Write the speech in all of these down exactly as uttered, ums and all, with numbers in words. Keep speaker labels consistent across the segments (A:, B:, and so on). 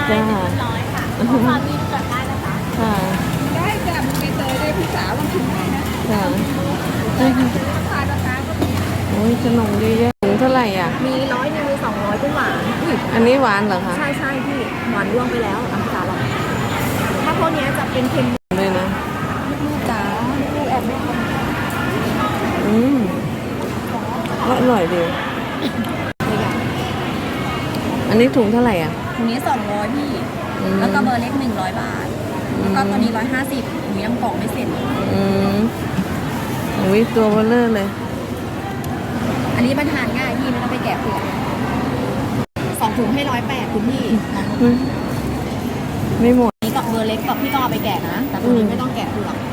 A: จ้า
B: ร้อยค่ะขอความมีเกิดได้นะคะ
A: ค่ะ
C: ได้จ้ะมีเตยได้พี่สาวลองชิมได้นะ
A: ค่ะ
C: ราคาราคาก็มี
A: โอ้ยขนมเยอะๆถุงเท่าไหร่อ่ะ
B: มีร้อยหนึ่งมีสองร้อยเป็นหวาน
A: อันนี้หวานเหรอคะ
B: ใช่ใช่พี่หวานร่วงไปแล้วอ่ะจ๋าลองถ้าพวกนี้จะเป็นเค็ม
A: เลยนะ
B: ลูกจ๋าลูกแอบแม่
A: อืมอร่อยดีอันนี้ถุงเท่าไหร่อ่ะ
B: ถุงนี้สองร้อยพี่แล้วก็เบอร์เล็กหนึ่งร้อยบาทแล้วก็ตัวนี้ร้อยห้าสิบหนูยังกล่องไม่เสร็จ
A: อืมอุ้ยตัวเบลเลอร์เลย
B: อันนี้มันทานง่ายพี่ไม่ต้องไปแกะเปลือกสองถุงให้ร้อยแปดคุณพี่
A: ไม่หมด
B: นี่ก็เบอร์เล็กกับพี่ต้องเอาไปแกะนะแต่ตัวนี้ไม่ต้องแกะเปลือก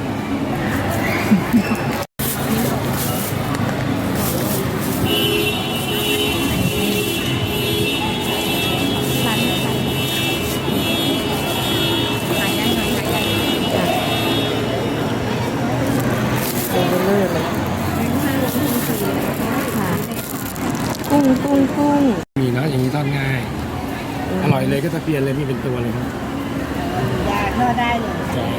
A: กุ้งกุ้งกุ้ง
D: มีเนาะอย่างนี้ทอดง่ายอร่อยเลยก็ตะเพียนเลยมีเป็นตัวเลยครับ
B: ยาทอดได้เลย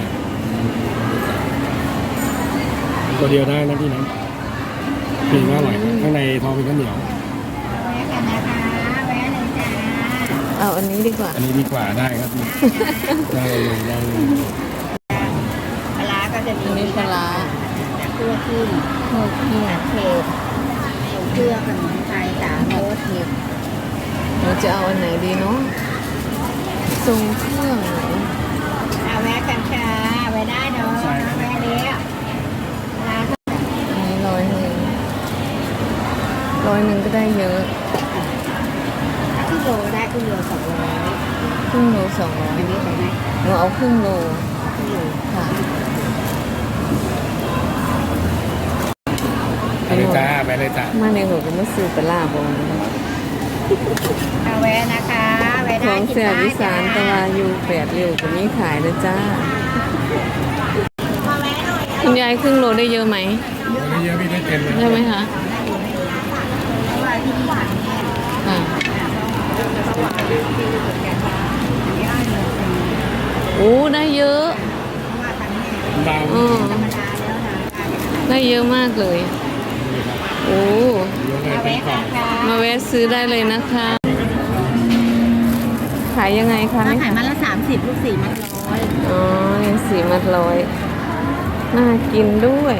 D: ตัวเดียวได้นะพี่นะปีก็อร่อยข้างในทองเป็นข้าวเหนียว
B: แวะกันนะคะแวะเลยจ้า
A: เอาอันนี้ดีกว่า
D: อันนี้ดีกว่าได้ครับได้เลยได้เลย
B: ปลาก็จะมี
A: ปลา
B: เครื่องขึ้นเครื่องขึ้นเผ็ดเครื่องขนมไทยสามรสเผ็ด
A: เราจะเอาอันไหนดีเนาะทรงเครื่อง
B: เอาแวะกันค่ะแวะได้เนาะแวะเลี้ยร้าน
A: นี้ร้อยหนึ่งร้อยหนึ่งก็ได้เยอะ
B: ถ้าครึ่งโลได้ครึ่งโลสองร้อย
A: ครึ่งโลสองร้อย
B: อันนี้ใส่ไหม
A: เราเอาครึ่งโล
B: ครึ่งโล
A: ค่ะ
D: ไปเลยจ้าไปเลยจ้า
A: มาในหัวก็มาซื้อปลาบง
B: เอาแวะนะคะแวะได้
A: ของเสียวิสานตะวาอยู่แปดเร็วกว่านี้ขายนะจ้าคุณยายครึ่งโลได้เยอะไหม
D: ได้เยอะพี่ได้เต็มเลย
A: ได้ไหมคะค่ะโอ้ได้เยอะได้เยอะมากเลยโอ้มาแวะซื้อได้เลยนะคะขายยังไงคะ
B: ถ้าขายมัดละสามสิบลูกสี่มัดร้อย
A: อ๋อสี่มัดร้อยน่ากินด้วย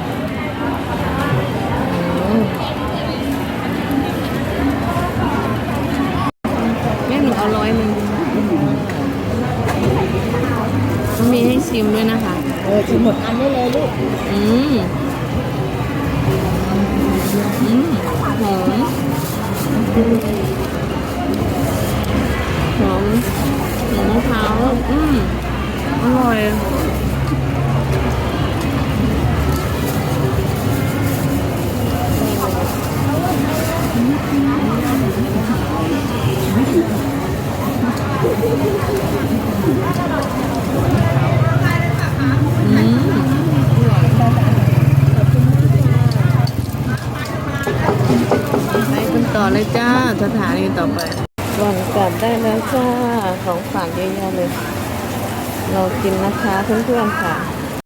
A: แม่หนูเอาร้อยหนึ่งมีให้ชิมด้วยนะคะ
B: เออชิมหมดอันได้เลยลูก
A: อืมอืมหอมหอมหอมมะพร้าวอืมอร่อยไปกันต่อเลยจ้าสถานีต่อไปก่อนกลับได้แล้วจ้าของฝากเยอะๆเลยเรากินนะคะเพื่อนๆค่ะ